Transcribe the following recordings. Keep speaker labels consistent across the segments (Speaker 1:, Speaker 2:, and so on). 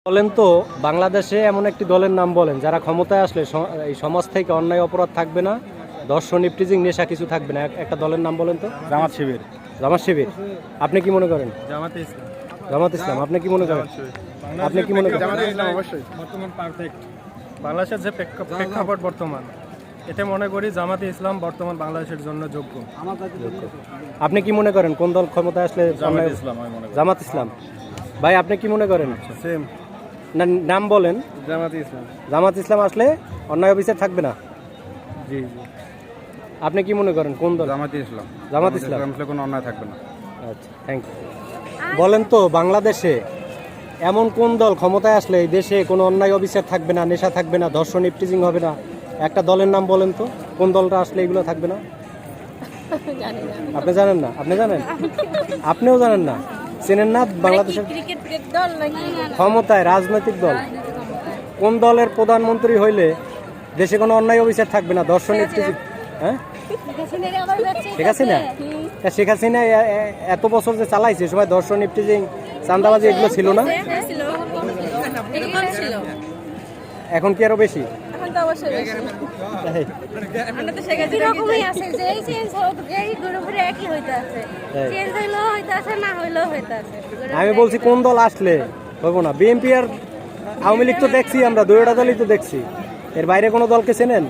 Speaker 1: বলেন তো বাংলাদেশে এমন একটি দলের নাম বলেন যারা ক্ষমতায় আসলে এই সমাজ থেকে অন্যায় অপরাধ থাকবে না, ধর্ষণ, ইফটিজিং, নেশা কিছু থাকবে না। একটা দলের নাম বলেন তো।
Speaker 2: জামাত শিবির।
Speaker 1: জামাত শিবির। আপনি কি মনে করেন?
Speaker 2: জামাতে ইসলাম।
Speaker 1: জামাত ইসলাম। আপনি কি মনে করেন? আপনি কি মনে করেন?
Speaker 2: জামাতে ইসলাম অবশ্যই বর্তমান পারফেক্ট। বাংলাদেশের যে প্রেক্ষাপট বর্তমান, এতে মনে করি জামাতে ইসলাম বর্তমান বাংলাদেশের জন্য যোগ্য।
Speaker 1: আপনি কি মনে করেন কোন দল ক্ষমতায় আসলে?
Speaker 2: জামাত ইসলাম আমি মনে করি।
Speaker 1: জামাত ইসলাম। ভাই আপনি কি মনে করেন?
Speaker 2: সেম।
Speaker 1: না, নাম বলেন।
Speaker 2: জামাতে ইসলাম।
Speaker 1: জামাত ইসলাম আসলে অন্যায় অবিচার থাকবে না।
Speaker 2: জি জি।
Speaker 1: আপনি কি মনে করেন কোন দল?
Speaker 2: জামাতে ইসলাম।
Speaker 1: জামাত ইসলাম।
Speaker 2: আসলে কোনো অন্যায় থাকবে না।
Speaker 1: আচ্ছা, থ্যাংক ইউ। বলেন তো বাংলাদেশে এমন কোন দল ক্ষমতায় আসলে এই দেশে কোনো অন্যায় অবিচার থাকবে না, নেশা থাকবে না, ধর্ষণ, ইফটিজিং হবে না? একটা দলের নাম বলেন তো, কোন দলটা আসলে এগুলো থাকবে না? আপনি জানেন না? আপনি জানেন? আপনিও জানেন না? চেনেন না বাংলাদেশের ক্ষমতায় রাজনৈতিক দল? কোন দলের প্রধানমন্ত্রী হইলে দেশে কোনো অন্যায় অবিচার থাকবে না, ধর্ষণ, ইফটিজিং? হ্যাঁ, শেখ হাসিনা। শেখ হাসিনা এত বছর যে চালাইছে সবাই ধর্ষণ, ইফটিজিং, চাঁদাবাজি এগুলো ছিল না? এখন কি আরো বেশি? আমি বলছি কোন দল আসলে হইব না? বিএনপি আর আওয়ামী লীগ তো দেখছি, আমরা দুইটা দলই তো দেখছি। এর বাইরে কোনো দলকে চেনেন?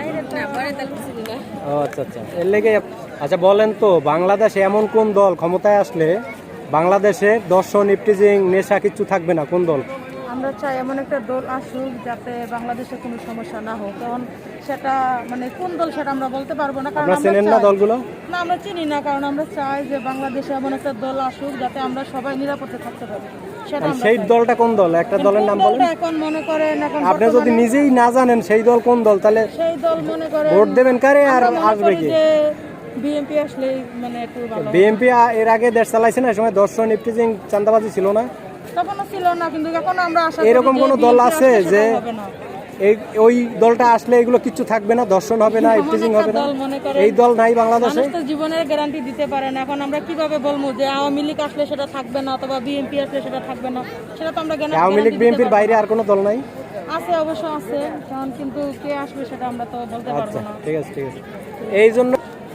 Speaker 1: ও আচ্ছা আচ্ছা, এর লেগে। আচ্ছা বলেন তো বাংলাদেশে এমন কোন দল ক্ষমতায় আসলে বাংলাদেশে ধর্ষণ, ইফটিজিং, নেশা কিচ্ছু থাকবে না? কোন দল?
Speaker 3: আমরা চাই এমন একটা দল আসুক যাতে বাংলাদেশে কোনো সমস্যা না হোক। কারণ সেটা মানে কোন দল সেটা আমরা বলতে পারবো না, কারণ
Speaker 1: আপনারা চেনেন না দলগুলো?
Speaker 3: না, আমরা চিনি না। কারণ আমরা চাই যে বাংলাদেশে এমন একটা দল আসুক যাতে আমরা সবাই নিরাপদে থাকতে পারি। সেটা আমরা
Speaker 1: সেই
Speaker 3: চাই।
Speaker 1: দলটা কোন দল? একটা দলের নাম বলেন।
Speaker 3: এখন মনে করেন এখন
Speaker 1: আপনি যদি নিজেই না জানেন সেই দল কোন দল, তাহলে
Speaker 3: সেই দল মনে করেন
Speaker 1: ভোট দেবেন কারে আর আসবে কি?
Speaker 3: বিএনপি আসলে মানে একটু ভালো।
Speaker 1: বিএনপি এর আগে দেশ চালাইছে না, সময় ধর্ষণ, ইফটিজিং, চাঁদাবাজি ছিল না?
Speaker 3: তখনও ছিল না, কিন্তু এখন আমরা আশা করি
Speaker 1: এরকম কোন দল আছে যে
Speaker 3: হবে না।
Speaker 1: ওই দলটা আসলে এগুলো কিচ্ছু থাকবে না, ধর্ষণ হবে না, ইফটিজিং হবে না? এই দল নাই বাংলাদেশে।
Speaker 3: মানুষ তো জীবনের গ্যারান্টি দিতে পারে না। এখন আমরা কিভাবে বলবো যে আওয়ামী লীগ আসলে সেটা থাকবে না অথবা বিএনপি আসলে সেটা থাকবে না? সেটা তো আমরা
Speaker 1: আওয়ামী লীগ বিএনপির বাইরে আর কোনো দল নাই?
Speaker 3: আছে, অবশ্য আছে, কারণ কিন্তু কে আসবে সেটা আমরা তো বলতে পারবো
Speaker 1: আচ্ছা
Speaker 3: না।
Speaker 1: ঠিক আছে ঠিক আছে। এই জন্য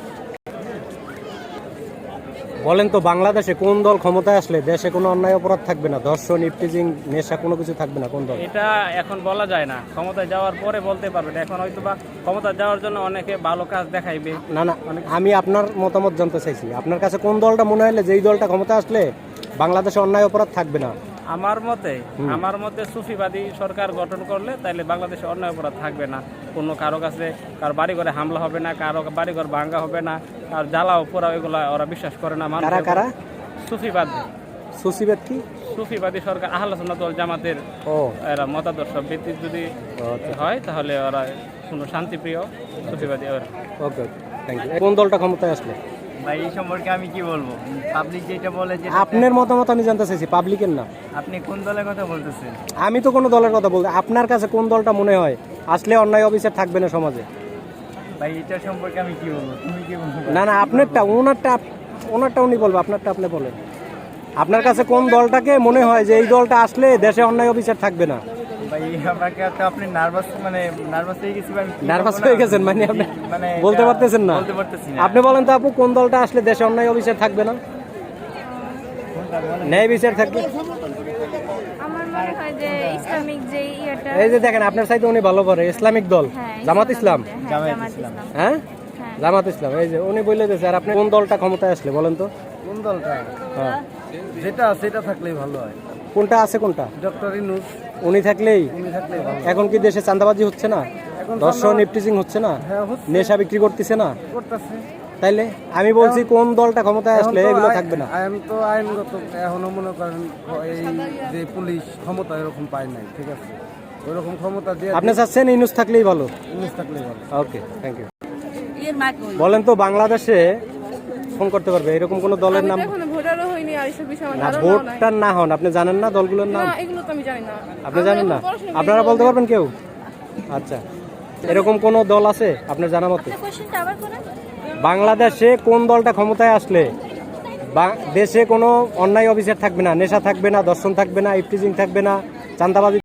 Speaker 1: বলেন তো বাংলাদেশে কোন দল ক্ষমতায় আসলে দেশে কোনো অন্যায় অপরাধ থাকবে না, ধর্ষণ, ইফটিজিং, নেশা কোনো কিছু থাকবে না? কোন দল?
Speaker 4: এটা এখন বলা যায় না, ক্ষমতায় যাওয়ার পরে বলতে পারবেন। এখন হয়তো বা ক্ষমতায় যাওয়ার জন্য অনেকে ভালো কাজ দেখাইবে।
Speaker 1: না না, আমি আপনার মতামত জানতে চাইছি। আপনার কাছে কোন দলটা মনে হলে যেই দলটা ক্ষমতায় আসলে বাংলাদেশে অন্যায় অপরাধ থাকবে না?
Speaker 4: আমার মতে সুফিবাদী সরকার গঠন করলে তাইলে বাংলাদেশে অন্যায় অপরাধ থাকবে না। কোনো কারো কাছে কারো বাড়িঘরে হামলা হবে না, কারো বাড়িঘর ভাঙ্গা হবে না, আর জ্বালাও পোড়া এগুলা ওরা বিশ্বাস করে না।
Speaker 1: কারা কারা?
Speaker 4: সুফিবাদী।
Speaker 1: সুফিবাদ কি?
Speaker 4: সুফিবাদী সরকার আহলে সুন্নাত ওয়াল জামাতের এরা মতাদর্শ ভিত্তিক যদি হয় তাহলে ওরা কোনো শান্তিপ্রিয় সুফিবাদী ওরা।
Speaker 1: Okay, thank you. কোন দলটা ক্ষমতায় আসলে?
Speaker 5: ভাই এই সম্পর্কে আমি কি বলবো? পাবলিক যেটা বলে যে
Speaker 1: আপনার মতামত আমি জানতে চাইছি, পাবলিকের না।
Speaker 5: আপনি কোন দলের কথা বলতেছেন?
Speaker 1: আমি তো কোনো দলের কথা বলতে, আপনার কাছে কোন দলটা মনে হয় আসলে অন্যায় অবিচার থাকবে না সমাজে?
Speaker 5: ভাই এটা সম্পর্কে আমি কি বলবো? তুমি কি বলবো?
Speaker 1: না না, আপনারটা ওনারটা উনি বলবো, আপনারটা আপনি বলেন। আপনার কাছে কোন দলটাকে মনে হয় যে এই দলটা আসলে দেশে অন্যায় অবিচার থাকবে না?
Speaker 5: ভাই আমাকে তো আপনি নার্ভাস হয়ে গেছি ভাই।
Speaker 1: নার্ভাস হয়ে গেছেন মানে আপনি
Speaker 5: মানে
Speaker 1: বলতে পারতেছেন না?
Speaker 5: বলতে পারতেছি না।
Speaker 1: আপনি বলেন তো আপু, কোন দলটা আসলে দেশে অন্যায় অবিচার থাকবে না, ন্যায় বিচার থাকবে?
Speaker 6: আমার মনে হয় যে ইসলামিক যে ইয়েটা,
Speaker 1: এই যে দেখেন আপনার সাইতে উনি ভালো করে ইসলামিক দল, জামাত ইসলাম।
Speaker 6: জামাত ইসলাম।
Speaker 1: হ্যাঁ, জামাত ইসলাম। এই যে উনি বলে দিয়েছে। আর আপনি কোন দলটা ক্ষমতায় আসলে বলেন তো?
Speaker 2: কোন দলটা?
Speaker 1: হ্যাঁ,
Speaker 2: যেটা আছে এটা থাকলেই ভালো হয়।
Speaker 1: কোনটা আছে কোনটা?
Speaker 2: ডক্টর ইনুস
Speaker 1: উনি থাকলেই।
Speaker 2: ভালো।
Speaker 1: এখন কি দেশে চাঁদাবাজি হচ্ছে না, ধর্ষণ, ইফটিজিং হচ্ছে না, নেশা বিক্রি করতেছে না?
Speaker 2: করতেছে।
Speaker 1: তাইলে আমি বলছি কোন দলটা ক্ষমতায় আসলে এগুলো থাকবে না?
Speaker 2: আইনগত এখনো মনে করেন এই যে পুলিশ ক্ষমতা এরকম পায় নাই, ঠিক আছে? ওইরকম ক্ষমতা দিয়ে
Speaker 1: আপনি চাচ্ছেন ইনুস থাকলেই ভালো?
Speaker 2: ইনুস থাকলেই ভালো।
Speaker 1: Okay, thank you. বলেন তো বাংলাদেশে ফোন করতে পারবে এরকম কোন দলের নাম?
Speaker 3: ভোটারও হয়নি আর এসব বিষয়ে আমার
Speaker 1: না,
Speaker 3: ধারণা নাই।
Speaker 1: ভোটটার না হন, আপনি জানেন না দলগুলোর নাম?
Speaker 3: না, এগুলো তো আমি জানি না।
Speaker 1: আপনি জানেন না? আপনারা বলতে পারবেন কেউ? আচ্ছা, এরকম কোন দল আছে আপনার জানা মতে?
Speaker 6: কোশ্চেনটা আবার করেন।
Speaker 1: বাংলাদেশে কোন দলটা ক্ষমতায় আসলে দেশে কোনো অন্যায় অবিচার থাকবে না, নেশা থাকবে না, ধর্ষণ থাকবে না, ইফটিজিং থাকবে না, চাঁদাবাজি